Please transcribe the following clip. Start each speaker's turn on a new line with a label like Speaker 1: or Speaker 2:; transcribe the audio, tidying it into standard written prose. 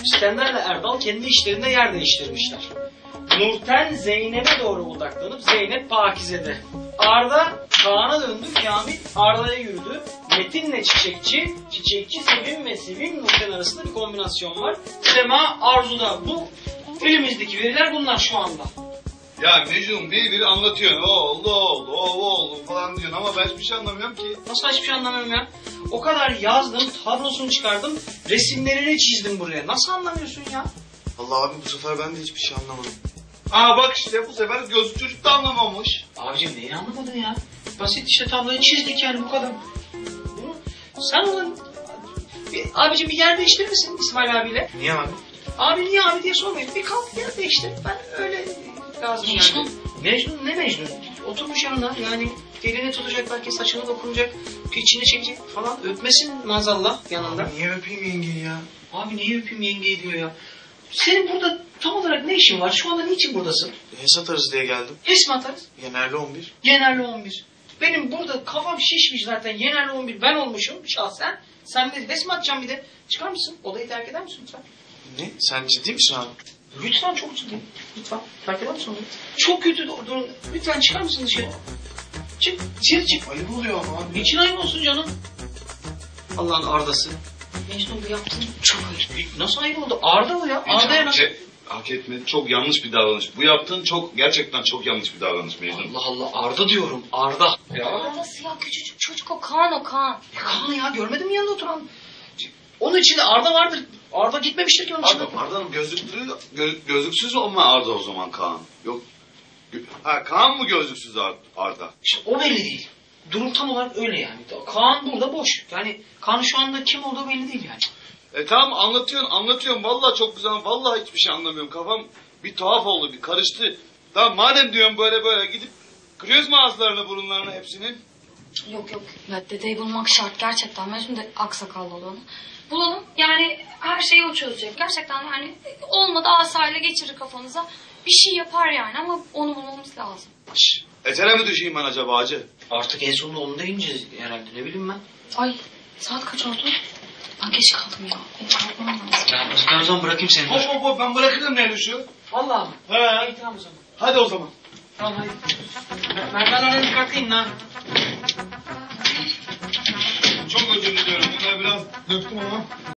Speaker 1: İskender'le Erdal kendi işlerinde yer değiştirmişler. Nurten Zeynep'e doğru odaklanıp Zeynep Pakize'de. Arda Kaan'a döndü, Kamil Arda'ya yürüdü. Metin'le Çiçekçi, Çiçekçi Sevim ve Sevim Nurten arasında bir kombinasyon var. Sema Arzu'da. Bu elimizdeki veriler bunlar şu anda.
Speaker 2: Ya Mecnun biri anlatıyor. O oldu falan diyorsun ama ben hiçbir şey anlamıyorum ki.
Speaker 1: Nasıl hiçbir şey anlamıyorum ya? O kadar yazdım, tablosunu çıkardım, resimlerini çizdim buraya. Nasıl anlamıyorsun ya?
Speaker 3: Allah abi bu sefer ben de hiçbir şey anlamadım.
Speaker 2: Aa bak işte bu sefer gözlü çocuk da anlamamış.
Speaker 1: Abicim neyi anlamadın ya? Basit işte tabloyu çizdik yani bu kadar. Sen onun... Abicim bir yer değiştirir misin İsmail abiyle?
Speaker 3: Niye abi?
Speaker 1: Abi niye abi diye sormayın. Bir kalk yer değiştir. Ben öyle lazım yani. Mecnun ne Mecnun? Oturmuş yanına yani elini tutacak belki saçını dokunacak. İçine çekecek falan. Öpmesin maazallah yanında.
Speaker 3: Niye öpeyim yengeyi ya?
Speaker 1: Abi niye öpeyim yengeyi diyor ya. Senin burada tam olarak ne işin var? Şu anda niçin buradasın?
Speaker 3: HES atarız diye geldim.
Speaker 1: HES mi atarız?
Speaker 3: Yenerli 11.
Speaker 1: Yenerli 11. Benim burada kafam şişmiş zaten. Yenerli 11 ben olmuşum şahsen. Sen de HES mi atacaksın bir de? Çıkar mısın? Odayı terk eder misin lütfen?
Speaker 3: Ne? Sen ciddi misin abi?
Speaker 1: Lütfen çok ciddi. Lütfen. Terk eder misin odayı? Çok kötü durum. Lütfen çıkar mısın dışarı? Çık. Dışarı çık.
Speaker 3: Ayıp oluyor ama abi.
Speaker 1: Niçin ayıp olsun canım? Allah'ın Arda'sı. Mecnun bu yaptığın çok ayıp. Nasıl ayıp oldu? Arda o ya. Arda'ya nasıl?
Speaker 2: Hak etmedi. Çok yanlış bir davranış. Bu yaptığın gerçekten çok yanlış bir davranış Mecnun.
Speaker 1: Allah Allah Arda diyorum. Arda.
Speaker 4: Arda'sı ya küçücük çocuk o Kaan.
Speaker 1: Kaan ya görmedin mi yanında oturan? Onun içinde Arda vardır. Arda gitmemiştir ki onun içinde.
Speaker 2: Arda'nın gözlüksüz olma Arda o zaman Kaan. Yok. Ha Kaan mı gözlüksüz Arda?
Speaker 1: İşte o belli değil. Durum tam olarak öyle yani. Kaan burada boş. Yani Kaan şu anda kim olduğu belli değil yani.
Speaker 2: Tamam anlatıyorsun. Vallahi çok güzel. Vallahi hiçbir şey anlamıyorum. Kafam bir tuhaf oldu, bir karıştı. Tamam madem diyorum böyle gidip kırıyoruz mu ağızlarını, burunlarını hepsinin?
Speaker 4: Yok. Ya dedeyi bulmak şart gerçekten. Mecnun de aksakallı olanı. Bulalım yani her şeyi o çözecek. Gerçekten yani olmadı asayla geçirir kafanıza. Bir şey yapar yani ama onu bulmamız lazım.
Speaker 2: Etere mi düşeyim ben acaba hacı?
Speaker 1: Artık en sonunda onu da ineceğiz herhalde ne bileyim ben.
Speaker 4: Ay saat kaç oldu? Ben geç kaldım ya. Benim kalkmam lazım.
Speaker 1: Ya ben o zaman bırakayım seni.
Speaker 2: Hop ben bırakırım ne düşüyor?
Speaker 1: Vallahi mi?
Speaker 2: He.
Speaker 1: İyi tamam o zaman.
Speaker 2: Hadi o zaman.
Speaker 1: Tamam hadi. Merdivenlerden dikkatli in ha.
Speaker 2: Çok özür diliyorum. Bunları biraz döktüm ama.